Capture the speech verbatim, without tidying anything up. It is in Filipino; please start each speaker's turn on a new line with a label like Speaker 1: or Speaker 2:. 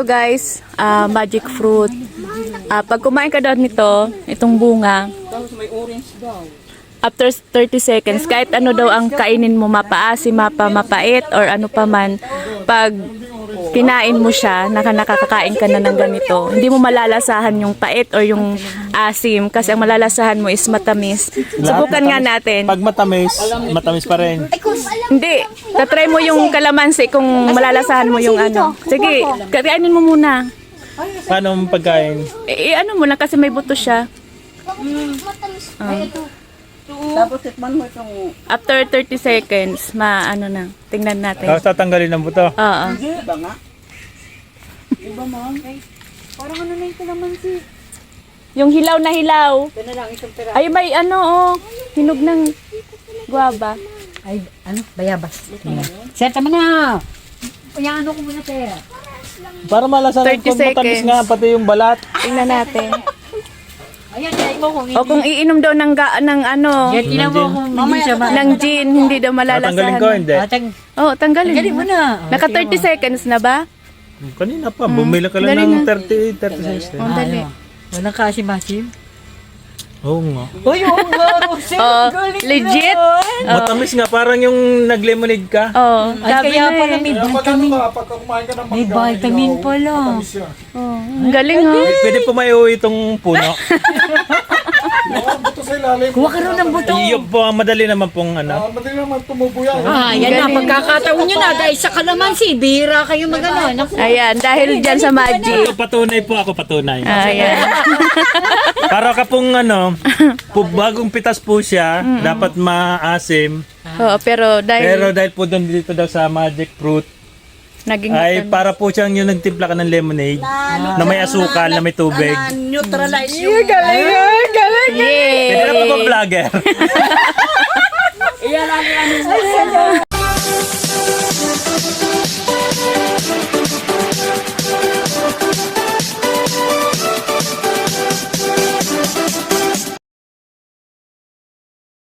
Speaker 1: ito guys, ah, magic fruit. Ah, pag kumain ka daw nito, itong bunga, after thirty seconds, kahit ano daw ang kainin mo, mapaasim, mapa, mapait, or ano pa man, pag kinain mo siya, naka nakakakain ka na ng ganito, hindi mo malalasahan yung pait or yung asim, kasi ang malalasahan mo is matamis. Subukan nga natin.
Speaker 2: Pag matamis, matamis pa rin.
Speaker 1: Hindi, tatry mo yung kalamansi kung malalasahan mo yung ano. Sige, kainin mo muna.
Speaker 2: Paano ang pagkain?
Speaker 1: Eh, ano mo lang kasi may buto siya.
Speaker 3: Tapos tikman mo itong...
Speaker 1: After thirty seconds, ma ano na, tingnan natin.
Speaker 2: Tapos tatanggalin ng buto.
Speaker 1: Oo.
Speaker 3: Iba nga. Iba ma'am.
Speaker 1: Parang ano na yung kalamansi. Yung hilaw na hilaw.
Speaker 3: Ito na lang isang pera.
Speaker 1: Ay, may ano, oh, hinog ng guava.
Speaker 4: Ay, ano? Bayabas. Sir, tama na. Yung ano ko muna, sir.
Speaker 2: Para malasahan
Speaker 1: thirty
Speaker 2: kung matamis
Speaker 1: seconds.
Speaker 2: nga, pati yung balat.
Speaker 1: Tingnan natin.
Speaker 4: Ayan, try mo kung
Speaker 1: O kung iinom daw ng, ga, ng ano,
Speaker 4: Yan, tinan mo kung hindi siya ma...
Speaker 1: ng gin, hindi daw
Speaker 2: Tatanggalin
Speaker 1: malalasahan.
Speaker 2: ko, hindi.
Speaker 4: Ah, tang...
Speaker 1: Oh, tanggalin.
Speaker 4: Tanggalin mo na.
Speaker 1: Naka thirty seconds na ba?
Speaker 2: Kanina pa, bumili ka lang
Speaker 1: Dali
Speaker 2: ng
Speaker 1: na.
Speaker 2: thirty, thirty cents.
Speaker 1: Oh, dali.
Speaker 4: Walang kasim-asim.
Speaker 2: Oo nga.
Speaker 4: Uy, oo nga, Rosel.
Speaker 1: Oh, legit?
Speaker 2: Matamis nga, parang yung nag-lemonade ka.
Speaker 1: Oh,
Speaker 4: Ay,
Speaker 1: sabi
Speaker 4: kaya
Speaker 1: na
Speaker 4: pala
Speaker 1: eh.
Speaker 4: may
Speaker 5: Kaya pag ano
Speaker 4: vitamin.
Speaker 5: ka, pagka kumain ka ng
Speaker 4: May
Speaker 5: mangga,
Speaker 4: vitamin
Speaker 5: medyo
Speaker 4: pala.
Speaker 5: matamis yan.
Speaker 1: Oh, ang galing ha.
Speaker 2: Pwede po may uwi itong puno.
Speaker 5: Oo, ang buto sa ilalim.
Speaker 4: Kuha ka rin ng buto.
Speaker 2: Iyo po, ang madali naman pong ano.
Speaker 5: Ah, madali naman tumubo yan.
Speaker 4: Ah, yan na. Pagkakataon nyo na. Dahil sa kalamansi, bihira kayo mag-ano. Naku.
Speaker 1: Ayan, dahil dyan sa magic.
Speaker 2: Ako patunay po, ako patunay.
Speaker 1: Ayan.
Speaker 2: Para ka pong ano, po, bagong pitas po siya, dapat maasim.
Speaker 1: Oo, pero dahil
Speaker 2: Pero dahil po doon dito daw sa magic fruit,
Speaker 1: naging
Speaker 2: ay para po siyang yung nagtimpla ka ng lemonade na may asukal, na may tubig.
Speaker 3: Neutralize yung...
Speaker 1: galing, galing.
Speaker 2: Pwede na po ba vlogger?
Speaker 3: Iyan ang ano.